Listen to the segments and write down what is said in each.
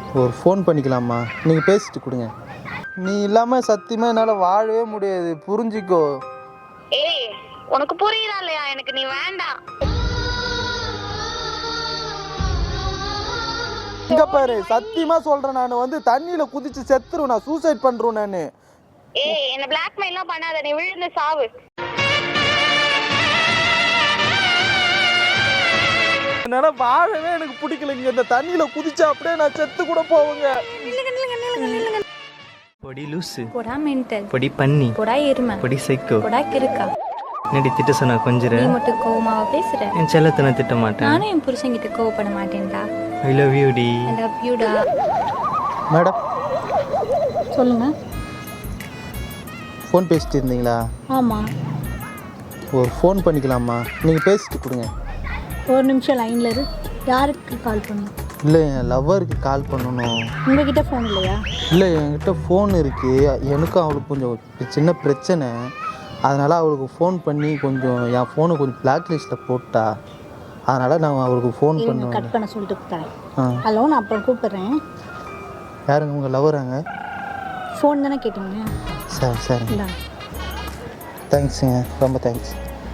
ஒரு ஃபோன் பண்ணிக்கலாமா? நீங்கள் பேசிட்டு கொடுங்க. நீ இல்லாமல் சத்தியமாக என்னால் வாழவே முடியாது, புரிஞ்சிக்கோ. ஏய், உனக்கு புரியுதா இல்லையா? எனக்கு நீ வேண்டாம். இங்க பாரு, சத்தியமா சொல்றேன், நான் வந்து தண்ணியில குதிச்சு செத்துருவேன், நான் சூசைட் பண்றேன் நானு. ஏய், என்ன பிளாக்மெயில்லாம் பண்ணாத, நீ விழுந்து சாவு. என்னால வாழவே எனக்கு பிடிக்கலைங்க. இந்த தண்ணியில குதிச்சா அப்படியே நான் செத்து கூட போவேங்க. பொடி லூசு, போடா மென்டல், பொடி பன்னி, போடா எருமை, பொடி சைக்கோ, போடா கிறுக்கா. என்னடி திட்ட சொன்னா கொஞ்சம் நீ மட்டும் கோவமாவா பேசுற? என் செல்லத்தை நான் திட்ட மாட்டேன். நானும் என் புருஷன்கிட்ட கோவப்பட மாட்டேன்டா. ஐ லவ் யூ டி. ஐ லவ் யூ டா. மேடம் சொல்லுங்க. ஃபோன் பேசிட்டு இருந்தீங்களா? ஆமா. ஒரு ஃபோன் பண்ணிக்கலாமா? நீங்க பேசிட்டு கொடுங்க. ஒரு நிமிஷம் லைன்ல இரு. யாருக்கு கால் பண்ணணும்? இல்லை, என் லவ்வருக்கு கால் பண்ணணும். உங்ககிட்ட ஃபோன் இல்லையா? இல்லை, என்கிட்ட ஃபோன் இருக்குது. எனக்கும் அவளுக்கு கொஞ்சம் சின்ன பிரச்சனை. அதனால் அவளுக்கு ஃபோன் பண்ணி கொஞ்சம் என் ஃபோனை கொஞ்சம் பிளாக் லிஸ்ட்டில் போட்டா. அதனால் நான் அவளுக்கு ஃபோன் பண்ணுவேன். கட் பண்ண சொல்லிட்டு தரேன். ஹலோ, நான் அப்புறம் கூப்பிட்றேன். யாருங்க உங்கள் லவ்வராங்க? ஃபோன் தானே கேட்டீங்க? சரி சரி, தேங்க்ஸுங்க, ரொம்ப தேங்க்ஸ்.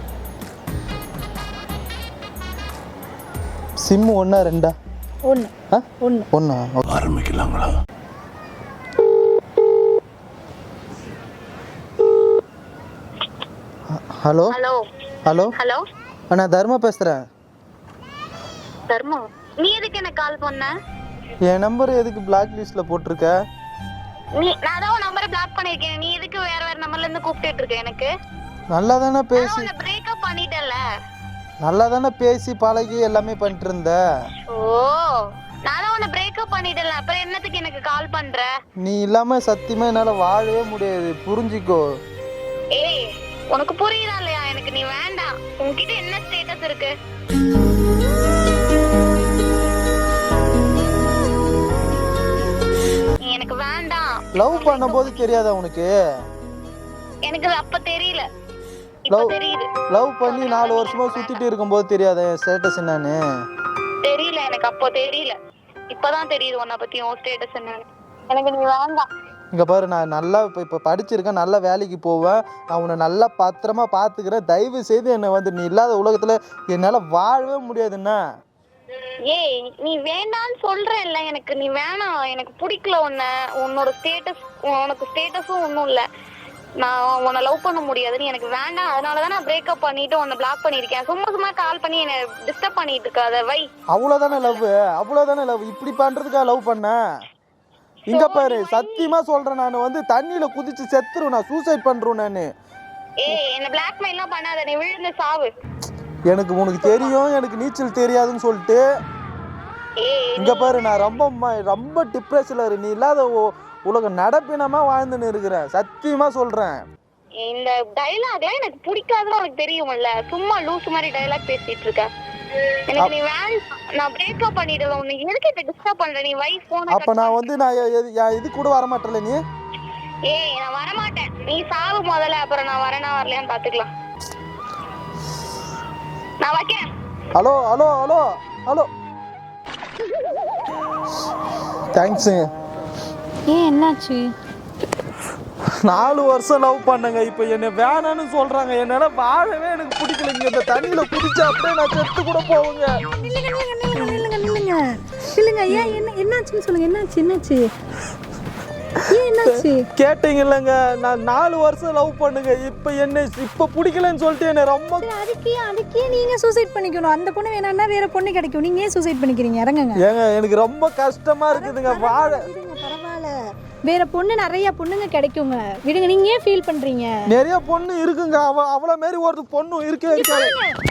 சிம்மு ஒன்றா ரெண்டா? ஒன்று. ஒன்றா? ஆரம்பிக்கலாங்களா? ஹலோ ஹலோ ஹலோ ஹலோ, நான் தர்மா பேசுகிறேன். தர்மா, நீ எதுக்கு எனக்கு கால் பண்ண? என் நம்பர் எதுக்கு பிளாக் லிஸ்ட்டில் போட்டிருக்க? நான் தான் உன் நம்பரை பிளாக் பண்ணிருக்கேன். நீ எதுக்கு வேற நம்பர்ல இருந்து கூப்பிட்டுட்டு இருக்க? எனக்கு நல்லா தானே பேசி உன்னை பிரேக்கப் பண்ணிட்டல. நல்லா தானே பேசி பழகி எல்லாமே பண்ணிட்டு இருந்த. ஓ, நான் தான் உன்னை பிரேக்கப் பண்ணிட்டல, அப்புறம் என்னத்துக்கு எனக்கு கால் பண்ற? நீ இல்லாம சத்தியமா என்னால வாழவே முடியாது, புரிஞ்சிக்கோ. ஏய், உனக்கு புரியுதா இல்லையா? எனக்கு நீ வேண்டாம். உன்கிட்ட என்ன ஸ்டேட்டஸ் இருக்கு? நீ எனக்கு வேண்டாம். லவ் பண்ணும்போது தெரியாதா உனக்கு? எனக்கு அப்ப தெரியல, இப்ப தெரியுது. லவ் பண்ணி 4 வருஷமா சுத்திட்டு இருக்கும்போது தெரியாதா என் ஸ்டேட்டஸ் என்னன்னு? தெரியல, எனக்கு அப்போ தெரியல, இப்பதான் தெரியுது உன்னை பத்தி உன் ஸ்டேட்டஸ் என்னன்னு. எனக்கு நீ வேண்டாம். இங்கே பாரு, நான் நல்லா இப்போ படிச்சிருக்கேன், நல்லா வேலைக்கு போவேன், நான் உன்னை நல்லா பத்திரமா பார்த்துக்கிறேன். தயவு செய்து என்னை வந்து நீ இல்லாத உலகத்தில் என்னால் வாழவே முடியாதுன்னா. ஏய், நீ வேண்டான்னு சொல்றேன்ல, எனக்கு நீ வேணாம். எனக்கு பிடிக்கல உன்னோட ஸ்டேட்டஸ். உனக்கு ஸ்டேட்டஸும் ஒன்றும் இல்லை. நான் உன்னை லவ் பண்ண முடியாது, நீ எனக்கு வேண்டாம். அதனாலதான் நான் பிரேக்கப் பண்ணிட்டு உன்னை பிளாக் பண்ணிருக்கேன். சும்மா கால் பண்ணி என்னை டிஸ்டர்ப் பண்ணிட்டு இருக்காத, வை. அவ்வளோதானே லவ்? அவ்வளோதானே லவ்? இப்படி பண்ணுறதுக்காக லவ் பண்ண? இங்க பாரு, சத்தியமா சொல்றேன், நான் வந்து தண்ணியில குதிச்சு செத்துருவேன், நான் சூசைட் பண்றேன் நானு. ஏய், என்ன பிளாக்மெயில்லாம் பண்ணாத, நீ விழுந்து சாவு. எனக்கு உனக்கு தெரியும் எனக்கு நீச்சல் தெரியாதுன்னு சொல்லிட்டு. இங்க பாரு, நான் ரொம்ப டிப்ரெஷன்ல இரு. நீ இல்லாத உலகம் நடப்பினமா வாழ்ந்துன்னு இருக்கிறேன், சத்தியமா சொல்றேன். இந்த டைலாக்லாம் எனக்கு பிடிக்காதுன்னு உனக்கு தெரியும்ல. சும்மா லூஸ் மாதிரி டைலாக் பேசிட்டு இருக்க. எனக்கு நீ நான் பிரேக்கப் பண்ணிடல. உன்னை எதுக்கு இப்ப டிஸ்டர்ப் பண்ற? நீ வை போன். அப்ப நான் வந்து இது கூட வர மாட்டேன்ல நீ? ஏய், நான் வர மாட்டேன். நீ சாவு முதல்ல, அப்புறம் நான் வரேனா வரலையான்னு பாத்துக்கலாம். நான் வைக்கிறேன். Hello hello hello hello, thanks. ஏன், என்னாச்சு? 4 வருஷம் லவ் பண்ணங்க, இப்போ என்ன வேணான்னு சொல்றாங்க. என்னால வாழவே எனக்கு பிடிக்கலைங்க. இந்த தண்ணியில குதிச்சா அப்படியே நான் செத்து கூட போவேங்க. இல்லைங்க, ஏன் என்னாச்சுன்னு சொல்லுங்க. என்னாச்சு? ஏன் என்னாச்சு? கேட்டீங்க இல்லைங்க, நான் 4 வருஷம் லவ் பண்ணுங்க, இப்போ பிடிக்கலன்னு சொல்லிட்டு என்ன ரொம்ப. அதுக்கே நீங்க சூசைட் பண்ணிக்கணும். அந்த பொண்ணு வேணாம்னா வேற பொண்ணு கிடைக்கும், நீங்க ஏன் சூசைட் பண்ணிக்கிறீங்க? இறங்குங்க. ஏங்க, எனக்கு ரொம்ப கஷ்டமா இருக்குதுங்க. வாழ பரவாயில்ல, வேற பொண்ணு நிறைய பொண்ணுங்க கிடைக்குங்க, விடுங்க. நீங்க ஏன் ஃபீல் பண்றீங்க? நிறைய பொண்ணு இருக்குங்க, அவள மாதிரி ஒரு பொண்ணு இருக்கே இருக்காது.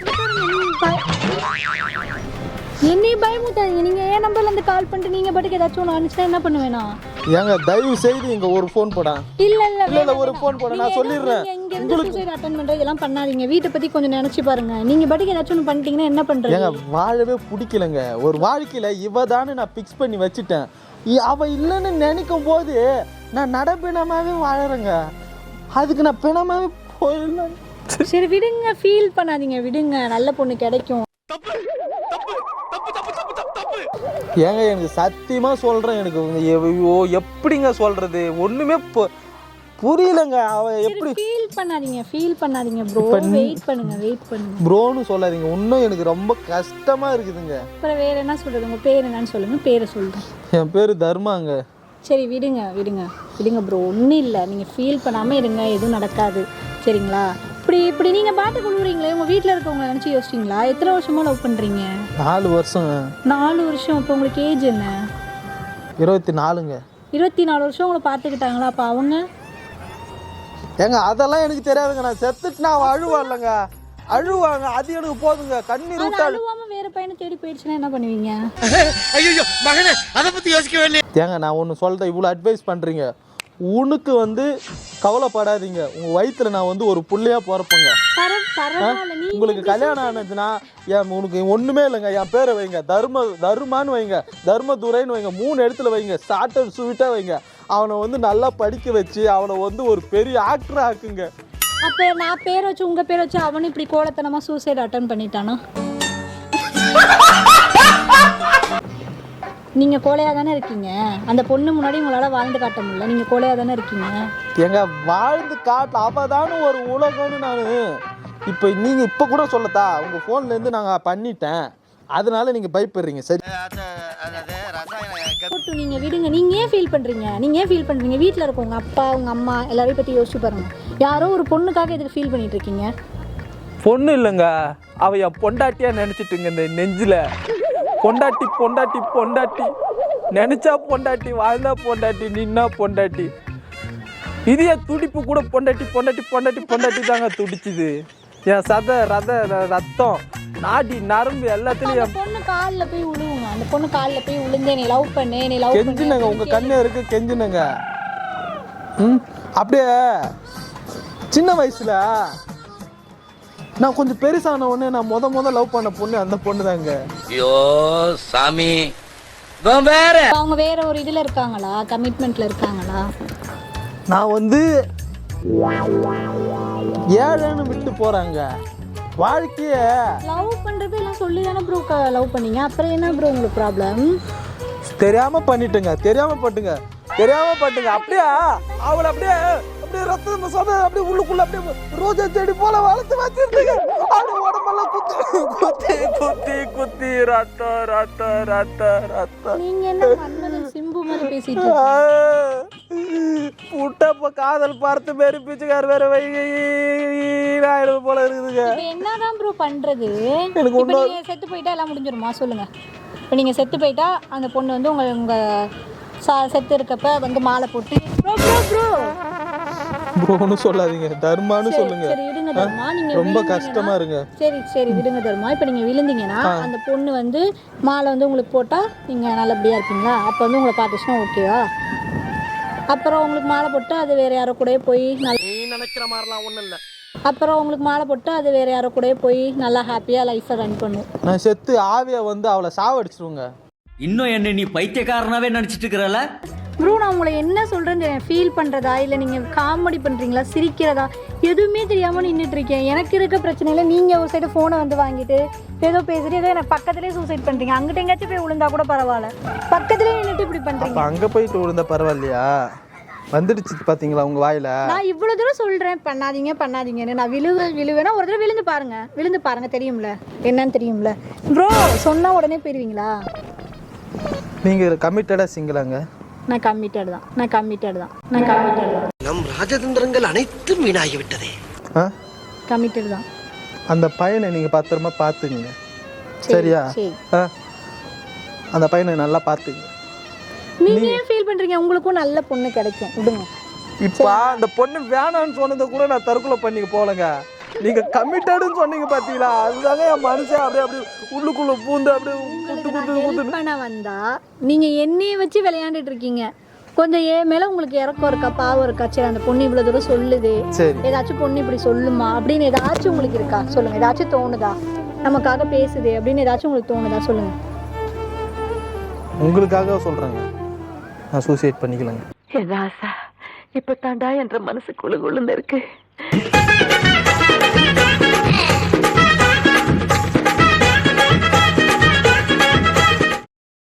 என்னை பயமுத்தாதீங்க. நீங்க ஏன் நம்பர்ல இருந்து கால் பண்ணிட்டு நீங்க பாட்டுக்கு ஏதாச்சும் ஒன்று அனுப்பிச்சா என்ன பண்ணுவேனா? ஏங்க, தயவு செய்து இங்க ஒரு ஃபோன் போடா. இல்ல ஒரு ஃபோன் போட, நான் சொல்லிடுறேன். உங்களுக்கு சூசைட் அட்டெண்ட் பண்றது இதெல்லாம் பண்ணாதீங்க. வீட்டை பத்தி கொஞ்சம் நினைச்சு பாருங்க. நீங்க பாட்டுக்கு ஏதாச்சும் ஒன்று பண்ணிட்டீங்கன்னா என்ன பண்றீங்க? ஏங்க, வாழவே பிடிக்கலங்க. ஒரு வாழ்க்கையில இவதான்னு நான் பிக்ஸ் பண்ணி வச்சுட்டேன். அவ இல்லைன்னு நினைக்கும் போது நான் நடப்பினமாவே வாழறேங்க. அதுக்கு நான் பிணமாவே போயிடலாம். சரி விடுங்க, ஃபீல் பண்ணாதீங்க, விடுங்க. நல்ல பொண்ணு கிடைக்கும். தப்பு தப்பு தப்பு தப்பு தப்பு ஏங்க எனக்கு சத்தியமா சொல்றேன், எனக்கு ஐயோ எப்படிங்க சொல்றது ஒண்ணுமே புரியலங்க. அவ எப்படி ஃபீல் பண்ணாதீங்க ப்ரோ. வெயிட் பண்ணுங்க ப்ரோன்னு சொல்லாதீங்க, இன்னும் எனக்கு ரொம்ப கஷ்டமா இருக்குதுங்க. அப்புறம் வேற என்ன சொல்றது? உங்க பேர் என்னன்னு சொல்லுங்க, பேரை சொல்றேன். என் பேரு தர்மாங்க. சரி விடுங்க ப்ரோ, ஒன்றும் இல்லை. நீங்கள் ஃபீல் பண்ணாமல் இருங்க, எதுவும் நடக்காது சரிங்களா? இப்படி நீங்கள் பாட்டு கொள்ளுறீங்களே, உங்கள் வீட்டில் இருக்கவங்க நினச்சி யோசிச்சிங்களா? எத்தனை வருஷமாக லவ் பண்ணுறீங்க? 4 வருஷம். 4 வருஷம். இப்போ உங்களுக்கு ஏஜ் என்ன? 24ங்க. 24 வருஷம் உங்களை பார்த்துக்கிட்டாங்களா? அப்போ அவங்க ஏங்க அதெல்லாம் எனக்கு தெரியாதுங்க. நான் செத்துட்டு நான் அழுவாங்க, அழுவாங்க, அது எனக்கு போதுங்க. கண்ணீர் விட்டு அழுவாம வேற பையனை தேடி போயிடுச்சுன்னா என்ன பண்ணுவீங்க? ஐயோ மகனே, அதை பத்தி யோசிக்கவே இல்லையே. ஏங்க நான் ஒன்று சொல்கிறேன், இவ்வளோ அட்வைஸ் பண்ணுறீங்க, உனக்கு கவலைப்படாதீங்க. உங்கள் வயிற்றுல நான் ஒரு புள்ளையா பிறப்பேங்க. உங்களுக்கு கல்யாணம் ஆனதுன்னா உனக்கு ஒன்றுமே இல்லைங்க, என் பேரை வைங்க, தர்மான்னு வைங்க, தர்மதுரைன்னு வைங்க, 3 இடத்துல வைங்க, ஷார்ட் அண்ட் ஸ்வீட்டாக வைங்க. அவனை நல்லா படிக்க வச்சு அவனை ஒரு பெரிய ஆக்டர் ஆக்குங்க. அப்போ நான் பேர் வச்சு உங்கள் பேர் வச்சு அவனு இப்படி கோலத்தனமாக சூசைட் அட்டன் பண்ணிட்டானா? நீங்கள் கோலையாக தானே இருக்கீங்க. அந்த பொண்ணு முன்னாடி உங்களால் வாழ்ந்து காட்ட முடியல, நீங்கள் கோலையாக தானே இருக்கீங்க. எங்க வாழ்ந்து காட்ட அவதான ஒரு உலகம்னு நான் இப்போ நீங்கள் இப்போ கூட சொல்லத்தா, உங்கள் ஃபோன்லேருந்து நாங்கள் பண்ணிட்டேன், அதனால நீங்கள் பயப்படுறீங்க. சரி நீங்கள் விடுங்க. நீங்கள் ஏன் ஃபீல் பண்ணுறீங்க? வீட்டில் இருக்க உங்கள் அப்பா உங்கள் அம்மா எல்லாரையும் பற்றி யோசிச்சு பாருங்க. யாரோ ஒரு பொண்ணுக்காக இதுக்கு ஃபீல் பண்ணிட்டு இருக்கீங்க. பொண்ணு இல்லைங்க, அவ என் பொண்டாட்டியாக நினச்சிட்டுங்க. இந்த நெஞ்சில் பொண்டாட்டி பொண்டாட்டி பொண்டாட்டி நினச்சா பொண்டாட்டி, வாழ்ந்தா பொண்டாட்டி, நின்னா பொண்டாட்டி. இதே துடிப்பு கூட பொண்டாட்டி பொண்டாட்டி பொண்டாட்டி பொண்டாட்டி தாங்க துடிச்சுது. என் ரத்தம் நாடி நரம்பு எல்லாத்துலயும். பொண்ணு காலில் போய் விழுவுங்க. அந்த பொண்ணு காலில் போய் விழுந்து நீ லவ் பண்ணு, நீ லவ் கெஞ்சுனங்க, உங்க கண்ணு இருக்கு கெஞ்சுனங்க. அப்படியே சின்ன வயசுல நான் கொஞ்சம் பெருசான உடனே நான் முத லவ் பண்ண பொண்ணு அந்த பொண்ணு தாங்க. ஐயோ சாமி, வேற அவங்க வேற ஒரு இதுல இருக்காங்களா, கமிட்மெண்ட்ல இருக்காங்களா? நான் ஏழைன்னு விட்டு போறாங்க. வாழ்க்கைய லவ் பண்றது எல்லாம் சொல்லி தானே ப்ரோ லவ் பண்ணீங்க, அப்புறம் என்ன ப்ரோ உங்களுக்கு ப்ராப்ளம்? தெரியாம பண்ணிட்டுங்க, தெரியாம பட்டுங்க. அப்படியே அவளை அப்படியே ரத்தம் அப்படியே உள்ளுக்குள்ள அப்படியே ரோஜா செடி போல வளர்த்து வச்சிருந்தீங்க. அப்படி உடம்பெல்லாம் குத்தி ரத்த. நீங்க என்ன மன்மதன் சிம்பு மாதிரி பேசிட்டு புட்டப்ப காதல் பார்த்து மாரி பிச்சுக்கார் வேற போல இருக்குதுங்க. என்னதான் ப்ரோ பண்றது? நீங்க செத்து போயிட்டா எல்லாம் முடிஞ்சிருமா சொல்லுங்க? இப்போ நீங்க செத்து போயிட்டா அந்த பொண்ணு உங்க செத்து இருக்கப்ப மாலை போட்டு ப்ரோன்னு சொல்லாதீங்க, தர்மான்னு சொல்லுங்க. சரி விடுங்க தர்மா, நீங்க ரொம்ப கஷ்டமா இருங்க. சரி விடுங்க தர்மா. இப்போ நீங்க விழுந்தீங்கன்னா அந்த பொண்ணு மாலை உங்களுக்கு போட்டா நீங்க நல்லபடியா இருப்பீங்களா? அப்போ உங்களை பார்த்துச்சுன்னா ஓகேவா? அப்புறம் உங்களுக்கு மாலை போட்டு அது வேற யாரோ கூட போய் நீ நினைக்கிற மாதிரிலாம் ஒண்ணும் இல்ல. அப்புறம் உங்களுக்கு மாலை போட்டு அது வேற யாரோ கூட போய் நல்லா ஹாப்பியா லைஃபை ரன் பண்ணும். நான் செத்து ஆவியா அவளை சாவடிச்சிருங்க. இன்னும் என்ன நீ பைத்தியக்காரனாவே நினைச்சிட்டு இருக்கிறல? ப்ரோ நான் உங்களை என்ன சொல்கிறேன்னு ஃபீல் பண்ணுறதா இல்லை நீங்கள் காமெடி பண்ணுறீங்களா சிரிக்கிறதா எதுவுமே தெரியாமல் நின்றுட்டு இருக்கேன். எனக்கு இருக்க பிரச்சனையில் நீங்கள் ஒரு சைடு ஃபோனை வாங்கிட்டு ஏதோ பேசிட்டு ஏதோ எனக்கு பக்கத்துலேயே சூசைட் பண்ணுறீங்க. அங்கிட்ட எங்கேயாச்சும் போய் விழுந்தா கூட பரவாயில்ல, பக்கத்துலேயே நின்றுட்டு இப்படி பண்ணுறீங்க. அங்கே போயிட்டு விழுந்தா பரவாயில்லையா? வந்துடுச்சு பார்த்தீங்களா உங்கள் வாயில்? நான் இவ்வளோ தூரம் சொல்கிறேன் பண்ணாதீங்கன்னு. நான் விழுவேன்னா ஒரு தடவை விழுந்து பாருங்க தெரியும்ல என்னன்னு தெரியும்ல. ப்ரோ சொன்னால் உடனே போயிடுவீங்களா? நீங்கள் கமிட்டடாக சிங்கிளாங்க? நான் கமிட்டட் தான். நம் ராஜதந்திரங்கள் அனைத்தும் வீணாகி விட்டதே. கமிட்டட் தான். அந்த பையனை நீங்கள் பத்திரமா பார்த்துங்க, சரியா? அந்த பையனை நல்லா பார்த்துங்க. நீங்க ஏன் ஃபீல் பண்றீங்க? உங்களுக்கும் நல்ல பொண்ணு கிடைக்கும், விடுங்க. இப்போ அந்த பொண்ணு வேணான்னு சொன்னதை கூட நான் தற்கொலை பண்ணிக்க போலங்க. நீங்க கமிட்டடுன்னு சொன்னீங்க பாத்தீங்களா, அதுதாங்க என் மனுஷன் அப்படியே உள்ளுக்குள்ள பூந்து அப்படியே குத்து பண்ண வந்தா நீங்க என்னைய வச்சு விளையாண்டுட்டு இருக்கீங்க. கொஞ்சம் ஏன் மேல உங்களுக்கு இறக்கம் இருக்கா, பாவம் இருக்கா? சரி அந்த பொண்ணு இவ்வளவு தூரம் சொல்லுது, ஏதாச்சும் பொண்ணு இப்படி சொல்லுமா அப்படின்னு ஏதாச்சும் உங்களுக்கு இருக்கா சொல்லுங்க? ஏதாச்சும் தோணுதா நமக்காக பேசுது அப்படின்னு ஏதாச்சும் உங்களுக்கு தோணுதா சொல்லுங்க? உங்களுக்காக சொல்றேங்க, நான் சூசைட் பண்ணிக்கலங்க. இப்ப தாண்டா என்ற மனசு குழு இருக்கு.